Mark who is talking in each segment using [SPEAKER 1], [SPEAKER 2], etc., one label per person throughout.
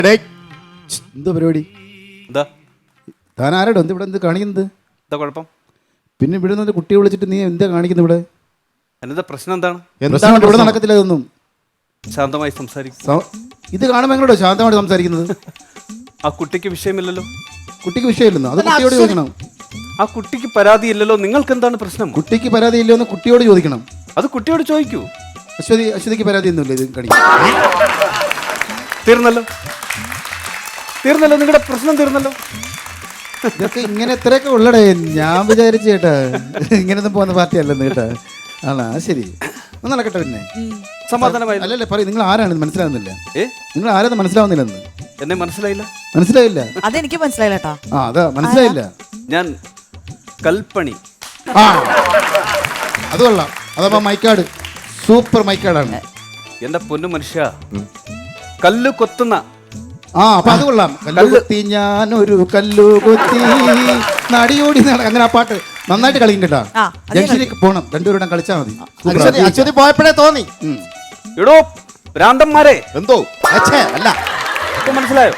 [SPEAKER 1] എന്ത് പരിപാടി?
[SPEAKER 2] എന്താ
[SPEAKER 1] താൻ ആരോടോ എന്ത് ഇവിടെ എന്ത് കാണിക്കുന്നത്?
[SPEAKER 2] എന്താ കുഴപ്പം?
[SPEAKER 1] പിന്നെ ഇവിടെ നിന്ന് കുട്ടിയെ വിളിച്ചിട്ട് നീ എന്താ കാണിക്കുന്നത് ഇവിടെ?
[SPEAKER 2] എന്താ പ്രശ്നം? എന്താണ്
[SPEAKER 1] പ്രശ്നം? ഇവിടെ നടക്കത്തില്ല ഇതൊന്നും.
[SPEAKER 2] ശാന്തമായി സംസാരിക്കും.
[SPEAKER 1] ഇത് കാണുമ്പോൾ എങ്ങോട്ടോ ശാന്തമായിട്ട് സംസാരിക്കുന്നത്?
[SPEAKER 2] ആ കുട്ടിക്ക് വിഷയമില്ലല്ലോ.
[SPEAKER 1] കുട്ടിക്ക് വിഷയമില്ലെന്നോ? അത് കുട്ടിയോട് ചോദിക്കണം.
[SPEAKER 2] ആ കുട്ടിക്ക് പരാതിയില്ലല്ലോ. നിങ്ങൾക്ക് എന്താണ് പ്രശ്നം?
[SPEAKER 1] കുട്ടിക്ക് പരാതി ഇല്ലയോ കുട്ടിയോട് ചോദിക്കണം.
[SPEAKER 2] അത് കുട്ടിയോട് ചോദിക്കൂ.
[SPEAKER 1] അശ്വതിക്ക് പരാതി ഒന്നുമില്ല ഇത് കാണിക്കും.
[SPEAKER 2] തീർന്നല്ലോ, തീർന്നല്ലോ, നിങ്ങളുടെ പ്രശ്നം തീർന്നല്ലോ.
[SPEAKER 1] ഇതൊക്കെ ഇങ്ങനെ എത്രയൊക്കെ ഉള്ളടേ. ഞാൻ വിചാരിച്ചു കേട്ടാ ഇങ്ങനെയൊന്നും പോകുന്ന പാർട്ടി അല്ലെന്ന് കേട്ടാ. ആണോ? ശരി, ഒന്ന് നടക്കട്ടെ. പിന്നെ
[SPEAKER 2] സമാധാനമായി.
[SPEAKER 1] അല്ലല്ലേ പറയും. നിങ്ങൾ ആരാണെന്ന് മനസ്സിലാവുന്നില്ല. നിങ്ങൾ ആരാന്ന് മനസ്സിലാവുന്നില്ലെന്ന്.
[SPEAKER 2] എന്നെ മനസ്സിലായില്ല?
[SPEAKER 1] മനസ്സിലായില്ല?
[SPEAKER 3] അതെനിക്ക് മനസ്സിലായില്ല കേട്ടാ.
[SPEAKER 1] അതാ മനസ്സിലായില്ല.
[SPEAKER 2] ഞാൻ കൽപ്പണി.
[SPEAKER 1] അത് കൊള്ളാം. അതപ്പോ മൈക്കാട് സൂപ്പർ മൈക്കാടാണ്.
[SPEAKER 2] എന്റെ പൊന്നു മനുഷ്യ, കല്ല് കൊത്തുന്ന.
[SPEAKER 1] അപ്പൊ അത് കൊള്ളാം. കല്ലു കൊത്തി ഞാനൊരു കല്ലു കൊത്തി നടിയോടി അങ്ങനെ ആ പാട്ട് നന്നായിട്ട് കളിക്കും കേട്ടാ. ജംഗ്ഷനിലേക്ക് പോണം, രണ്ടുപേരുടെ കളിച്ചാൽ മതി.
[SPEAKER 4] അശ്വതി പോയപ്പോഴേ തോന്നി.
[SPEAKER 2] എടോ ഭ്രാന്തന്മാരെ,
[SPEAKER 4] എന്തോ അല്ല
[SPEAKER 2] ഇപ്പൊ മനസ്സിലായോ?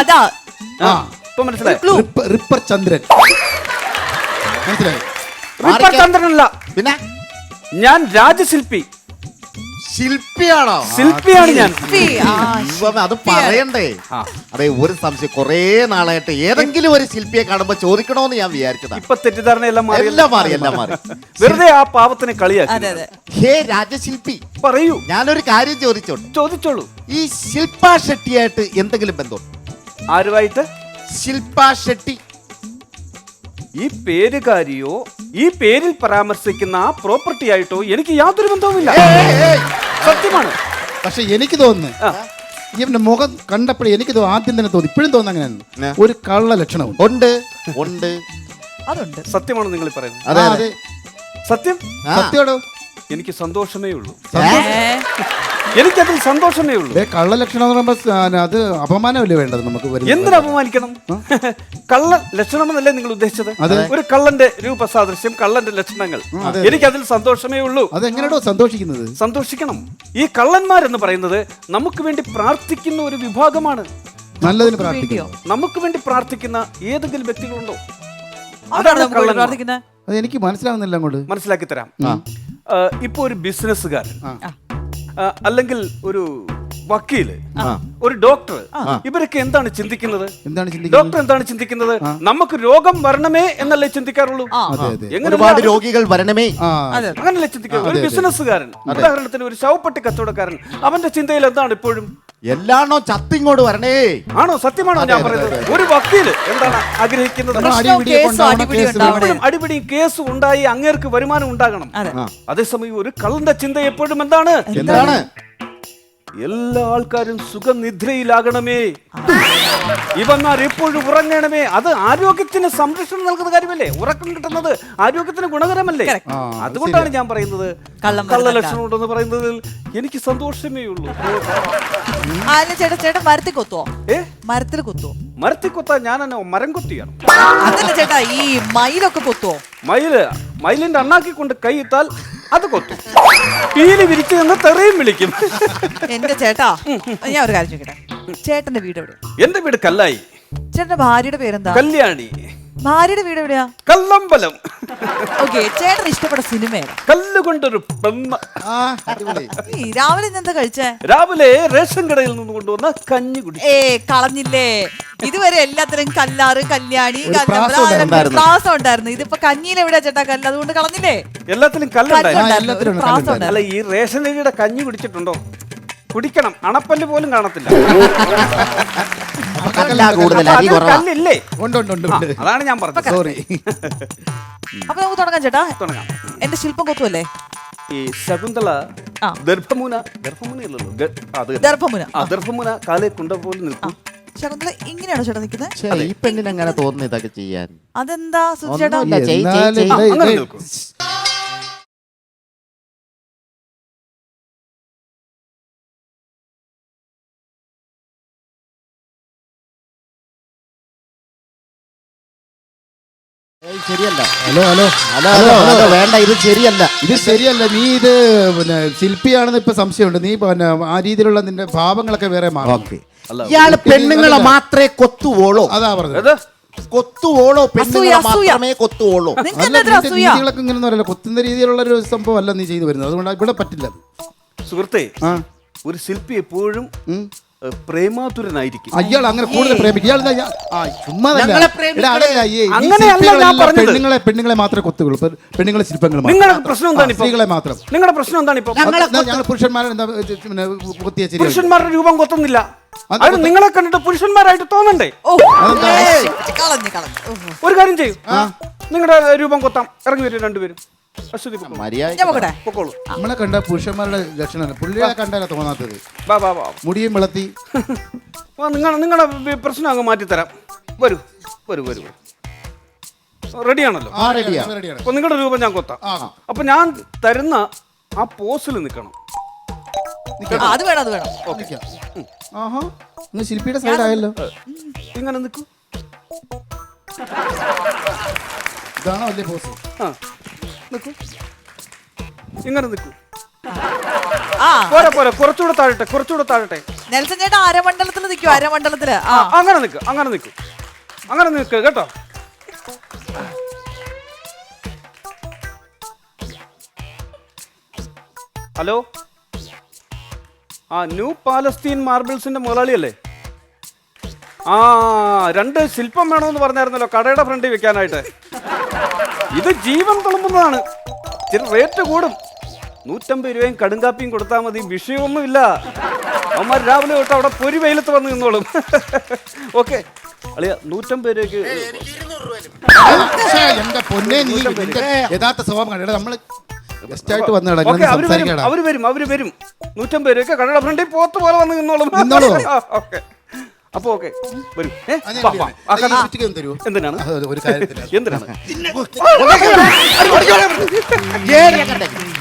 [SPEAKER 2] ഇപ്പൊ മനസ്സിലായോ?
[SPEAKER 1] റിപ്പർ ചന്ദ്രൻ മനസ്സിലായോ?
[SPEAKER 2] റിപ്പർ ചന്ദ്രനല്ല,
[SPEAKER 4] പിന്നെ
[SPEAKER 2] ഞാൻ രാജശില്പി.
[SPEAKER 4] ശില്പിയാണോ?
[SPEAKER 2] ശില്പിയാണ് ഞാൻ.
[SPEAKER 4] അത് പറയണ്ടേ? അതെ, ഒരു സംശയം. കൊറേ നാളായിട്ട് ഏതെങ്കിലും ഒരു ശില്പിയെ കാണുമ്പോ ചോദിക്കണോന്ന് ഞാൻ വിചാരിച്ചതാ.
[SPEAKER 2] ഇപ്പൊ തെറ്റിദ്ധാരണയെല്ലാം
[SPEAKER 4] മാറി.
[SPEAKER 2] വെറുതെ ആ പാവത്തിനെ കളിയാക്കി.
[SPEAKER 4] ഹേ രാജശില്പി,
[SPEAKER 2] പറയൂ.
[SPEAKER 4] ഞാനൊരു കാര്യം ചോദിച്ചോളൂ. ഈ ശില്പാ ഷെട്ടിയായിട്ട് എന്തെങ്കിലും ബന്ധം?
[SPEAKER 2] ആരുമായിട്ട്?
[SPEAKER 4] ശില്പാ ഷെട്ടി.
[SPEAKER 2] ഈ പേരുകാരിയോ ഈ പേരിൽ പരാമർശിക്കുന്ന ആ പ്രോപ്പർട്ടി ആയിട്ടോ എനിക്ക് യാതൊരു ബന്ധവുമില്ല. സത്യമാണ്.
[SPEAKER 1] പക്ഷെ എനിക്ക് തോന്നുന്നു ഇവന്റെ മുഖം കണ്ടപ്പോഴേ എനിക്ക് ആദ്യം തന്നെ തോന്നി, ഇപ്പോഴും തോന്നുന്നു അങ്ങനെയാണ്. ഒരു കള്ള ലക്ഷണവും ഉണ്ട്.
[SPEAKER 3] അതുണ്ട്.
[SPEAKER 2] സത്യമാണ് നിങ്ങൾ പറയുന്നത്?
[SPEAKER 1] അതെ,
[SPEAKER 2] സത്യം.
[SPEAKER 1] സത്യോടോ?
[SPEAKER 2] എനിക്ക് സന്തോഷമേ ഉള്ളൂ. എനിക്കതിൽ സന്തോഷമേ ഉള്ളൂ.
[SPEAKER 1] കള്ള ലക്ഷണം എന്ന് പറയുമ്പോ അത് അപമാനമല്ലേ വേണ്ടത് നമുക്ക്?
[SPEAKER 2] എന്തിനു അപമാനിക്കണം? കള്ള ലക്ഷണം എന്നല്ലേ നിങ്ങൾ ഉദ്ദേശിച്ചത്? ഒരു കള്ളന്റെ രൂപസാദൃശ്യം, കള്ളന്റെ ലക്ഷണങ്ങൾ. എനിക്കതിൽ സന്തോഷമേ ഉള്ളൂ.
[SPEAKER 1] അതെങ്ങനെയാണോ സന്തോഷിക്കുന്നത്?
[SPEAKER 2] സന്തോഷിക്കണം. ഈ കള്ളന്മാരെന്ന് പറയുന്നത് നമുക്ക് വേണ്ടി പ്രാർത്ഥിക്കുന്ന ഒരു വിഭാഗമാണ്.
[SPEAKER 1] നല്ലതിന് പ്രാർത്ഥിക്കണം.
[SPEAKER 2] നമുക്ക് വേണ്ടി പ്രാർത്ഥിക്കുന്ന ഏതെങ്കിലും വ്യക്തികളുണ്ടോ?
[SPEAKER 3] അതാണ് പ്രാർത്ഥിക്കുന്നത്.
[SPEAKER 1] അത് എനിക്ക് മനസ്സിലാവുന്നില്ല. അങ്ങോട്ട്
[SPEAKER 2] മനസ്സിലാക്കി തരാം. ഇപ്പൊ ഒരു ബിസിനസ്സുകാരൻ, അല്ലെങ്കിൽ ഒരു വക്കീല്, ഒരു ഡോക്ടർ, ഇവരൊക്കെ എന്താണ് ചിന്തിക്കുന്നത്? ഡോക്ടർ എന്താണ് ചിന്തിക്കുന്നത്? നമുക്ക് രോഗം വരണമേ എന്നല്ലേ ചിന്തിക്കാറുള്ളൂ.
[SPEAKER 4] ഒരുപാട് രോഗികൾ വരണമേ,
[SPEAKER 2] അങ്ങനല്ലേ ചിന്തിക്കുക. ഒരു ബിസിനസ്സുകാരൻ, ഉദാഹരണത്തിന് ഒരു ശവപ്പെട്ടി കച്ചവടക്കാരൻ, അവന്റെ ചിന്തയിൽ എന്താണ് ഇപ്പോഴും?
[SPEAKER 4] എല്ലാണോ ചത്തിങ്ങോട് വരണേ.
[SPEAKER 2] ആണോ? സത്യമാണോ ഞാൻ പറയുന്നത്? ഒരു വക്കീല് എന്താണ് ആഗ്രഹിക്കുന്നത്? അടിപിടി കേസ് ഉണ്ടായി അങ്ങേർക്ക് വരുമാനം ഉണ്ടാകണം. അതേസമയം ഒരു കള്ളന്റെ ചിന്ത എപ്പോഴും എന്താണ്? എല്ലാ ആൾക്കാരും സുഖനിദ്രയിലാകണമേ, ഇവന്മാർ എപ്പോഴും ഉറങ്ങണമേ. അത് ആരോഗ്യത്തിന് സംരക്ഷണം നൽകുന്ന കാര്യമല്ലേ? ഉറക്കം കിട്ടുന്നത് ആരോഗ്യത്തിന് ഗുണകരമല്ലേ? അതുകൊണ്ടാണ് ഞാൻ പറയുന്നത് കള്ള ലക്ഷണം ഉണ്ടെന്ന് പറയുന്നതിൽ എനിക്ക് സന്തോഷമേ ഉള്ളൂ.
[SPEAKER 3] ചേട്ടാ മരത്തിൽ കൊത്തുവോ? മരത്തിൽ കൊത്തുവോ?
[SPEAKER 2] മരത്തിൽ കൊത്താൻ ഞാൻ മരം കൊത്തിയാണ്.
[SPEAKER 3] അതല്ല ചേട്ടാ, ഈ മയിലൊക്കെ കൊത്തുവോ?
[SPEAKER 2] മയിലിന്റെ അണ്ണാക്കി കൊണ്ട് കൈയിട്ടാൽ അത് കൊത്തും. പീലി വിരിച്ചു നിന്ന് തെറിയും വിളിക്കും.
[SPEAKER 3] എന്റെ ചേട്ടാ, ഞാൻ ഒരു കാര്യം ചോദിക്കട്ടെ. ചേട്ടന്റെ വീട് എവിടെ?
[SPEAKER 2] എന്റെ വീട് കല്ലായി.
[SPEAKER 3] ചേട്ടന്റെ ഭാര്യയുടെ പേരെന്താ?
[SPEAKER 2] കല്യാണി.
[SPEAKER 3] ഭാര്യയുടെ വീട് എവിടെയാ?
[SPEAKER 2] കല്ലമ്പലം.
[SPEAKER 3] ഓക്കെ, ചേട്ടന് ഇഷ്ടപ്പെട്ട സിനിമ ഏതാ?
[SPEAKER 2] കല്ലുകൊണ്ടൊരു പെണ്ണ്.
[SPEAKER 3] രാവിലെ എന്താ കഴിച്ചേ?
[SPEAKER 2] രാവിലെ റേഷൻ കടയിൽ നിന്ന് കൊണ്ടുവന്ന കഞ്ഞി കുടി.
[SPEAKER 3] കളഞ്ഞില്ലേ? ഇതുവരെ എല്ലാത്തിനും കല്ലാറ്, കല്യാണി, പ്രാസം ഉണ്ടായിരുന്നു. ഇതിപ്പോ കഞ്ഞിയിൽ എവിടെയാ ചേട്ടാ കല്ല്? അതുകൊണ്ട് കളഞ്ഞില്ലേ?
[SPEAKER 2] എല്ലാത്തിലും കല്ലുണ്ടായിരുന്നു. അല്ല, ഈ റേഷൻ അരിയുടെ കഞ്ഞി കുടിച്ചിട്ടുണ്ടോ? കുടിക്കണം. അണപ്പല്ല് പോലും കാണത്തില്ല. കല്ലില്ലേ? അതാണ് ഞാൻ പറഞ്ഞത്. സോറി.
[SPEAKER 3] അപ്പൊ നമുക്ക് തുടങ്ങാം ചേട്ടാ. തുടങ്ങാം. എന്റെ ശില്പം കൊത്തുവല്ലേ?
[SPEAKER 2] ഈ ശകുന്തള ദർഭമുന കാലേ കുണ്ട പോലെ നിൽക്കും.
[SPEAKER 3] ശകുന്തള ഇങ്ങനെയാണോ ചേട്ടാ നിൽക്കുന്നത്?
[SPEAKER 4] ഈ പെണ്ണിന് അങ്ങനെ തോന്നുന്നു ഇതൊക്കെ ചെയ്യാൻ.
[SPEAKER 3] അതെന്താ ചേട്ടാ?
[SPEAKER 4] ശരിയല്ല.
[SPEAKER 1] ഹലോ
[SPEAKER 4] വേണ്ട, ഇത് ശരിയല്ല.
[SPEAKER 1] നീ ഇത് പിന്നെ ശില്പിയാണെന്ന് ഇപ്പൊ സംശയമുണ്ട്. നീ പിന്നെ ആ രീതിയിലുള്ള നിന്റെ ഭാവങ്ങളൊക്കെ വേറെ മാറും.
[SPEAKER 4] ഇയാള് പെണ്ണുങ്ങളെ മാത്രമേ കൊത്തുവോളോ?
[SPEAKER 1] അതാ പറഞ്ഞത്.
[SPEAKER 2] ഏത്?
[SPEAKER 4] കൊത്തുവോളോ? പെണ്ണുങ്ങളെ
[SPEAKER 3] അസൂയ.
[SPEAKER 4] മാത്രമേ കൊത്തുവോളോ?
[SPEAKER 3] നിങ്ങൾക്ക്
[SPEAKER 1] അല്ല,
[SPEAKER 3] എന്താ
[SPEAKER 1] നിന്റെ
[SPEAKER 3] അസൂയ?
[SPEAKER 1] രീതികളൊക്കെ ഇങ്ങനെ പറയല്ലോ, കൊത്തുന്ന രീതിയിലുള്ള ഒരു സംഭവം അല്ല നീ ചെയ്തു വരുന്നത്. അതുകൊണ്ട് ഇവിടെ പറ്റില്ല അത്.
[SPEAKER 2] സുഹൃത്തെ,
[SPEAKER 1] ആ
[SPEAKER 2] ഒരു ശില്പി എപ്പോഴും പ്രേമാതുരനായിരിക്കും.
[SPEAKER 1] അയാൾ അങ്ങനെ കൂടുതൽ പ്രേമിക്കും. ഇയാൾ
[SPEAKER 4] ഞങ്ങളെ പ്രേമിക്കണേ.
[SPEAKER 2] അങ്ങനെയല്ല ഞാൻ പറഞ്ഞത്.
[SPEAKER 1] പെണ്ണുങ്ങളെ മാത്രമേ കൊത്തുകയുള്ളൂ. പെണ്ണുങ്ങളെ ശില്പങ്ങൾ
[SPEAKER 2] നിങ്ങളുടെ പ്രശ്നം എന്താണ് ഇപ്പൊ?
[SPEAKER 1] സ്ത്രീകളെ മാത്രം.
[SPEAKER 2] നിങ്ങളുടെ പ്രശ്നം എന്താണ് ഇപ്പൊ?
[SPEAKER 1] ഞങ്ങൾ പുരുഷന്മാരെ എന്താ പിന്നെ കൊത്തിയ ശരി.
[SPEAKER 2] പുരുഷന്മാരുടെ രൂപം കൊത്തുന്നില്ല. അത് നിങ്ങളെ കണ്ടിട്ട് പുരുഷന്മാരായിട്ട് തോന്നണ്ടേ?
[SPEAKER 3] ഓ, കളഞ്ഞു.
[SPEAKER 2] ഒരു കാര്യം ചെയ്യും, നിങ്ങളുടെ രൂപം കൊത്താം. ഇറങ്ങി വരും രണ്ടുപേരും. അശ്വതി പൊക്കോളൂ.
[SPEAKER 3] ഞാൻ പോകട്ടെ.
[SPEAKER 2] പൊക്കോളൂ.
[SPEAKER 1] നമ്മളെ കണ്ട പുരുഷന്മാരുടെ ലക്ഷണമല്ല, പുള്ളിയെ കണ്ടാലാ തോന്നാത്തത്.
[SPEAKER 2] വാ വാ വാ.
[SPEAKER 1] മുടിയും വിളത്തി.
[SPEAKER 2] നിങ്ങളുടെ പ്രശ്നം അങ്ങ് മാറ്റിത്തരാം. വരൂ വരൂ വരൂ. റെഡിയാണല്ലോ? അപ്പൊ നിങ്ങളുടെ രൂപം ഞാൻ കൊത്താം. അപ്പൊ ഞാൻ തരുന്ന ആ പോസിൽ നിൽക്കണം.
[SPEAKER 3] അത് വേണം.
[SPEAKER 1] ആഹാ, ശില്പിയുടെ സൈഡായല്ലോ.
[SPEAKER 2] ഇങ്ങനെ നിൽക്കൂ.
[SPEAKER 1] ഇതാണോ വലിയ പോസ്?
[SPEAKER 2] നിൽക്കൂ, ഇങ്ങനെ നിൽക്കൂ.
[SPEAKER 3] ആ,
[SPEAKER 2] പോരെ, കുറച്ചുകൂടെ താഴട്ടെ.
[SPEAKER 3] നെൽസൺ ചേട്ടാ അരമണ്ഡലത്തിൽ നിൽക്കും. അരമണ്ഡലത്തില്
[SPEAKER 2] അങ്ങനെ നിൽക്ക് കേട്ടോ. ഹലോ, ന്യൂ പാലസ്തീൻ മാർബിൾസിന്റെ മുതലാളിയല്ലേ? രണ്ട് ശില്പം വേണമെന്ന് പറഞ്ഞായിരുന്നല്ലോ കടയുടെ ഫ്രണ്ടിൽ വെക്കാനായിട്ട്. ഇത് ജീവൻ തുളുമ്പുന്നതാണ്. ഇച്ചിരി റേറ്റ് കൂടും. 150 രൂപയും കടുങ്കാപ്പിയും കൊടുത്താൽ മതി. വിഷയമൊന്നുമില്ല. അവന്മാർ രാവിലെ തൊട്ട് അവിടെ പൊരി വെയിലത്ത് വന്ന് നിന്നോളും. ഓക്കെ അളിയ, 150 രൂപയ്ക്ക്.
[SPEAKER 1] എന്റെ പൊന്നെ, നീ യഥാർത്ഥ സ്വഭാവം കണ്ടേ. നമ്മള് ഗസ്റ്റ് ആയിട്ട് വന്നേടാ.
[SPEAKER 2] അവര് വരും. 150 രൂപയ്ക്ക് കടയുടെ ഫ്രണ്ടിൽ പോത്ത് പോലെ വന്ന് നിന്നോളും. ഓക്കെ, അപ്പൊ ഓക്കെ വരൂ. എന്തിനാണ്?
[SPEAKER 1] ഒരു കാര്യത്തില്
[SPEAKER 2] എന്തിനാണ്?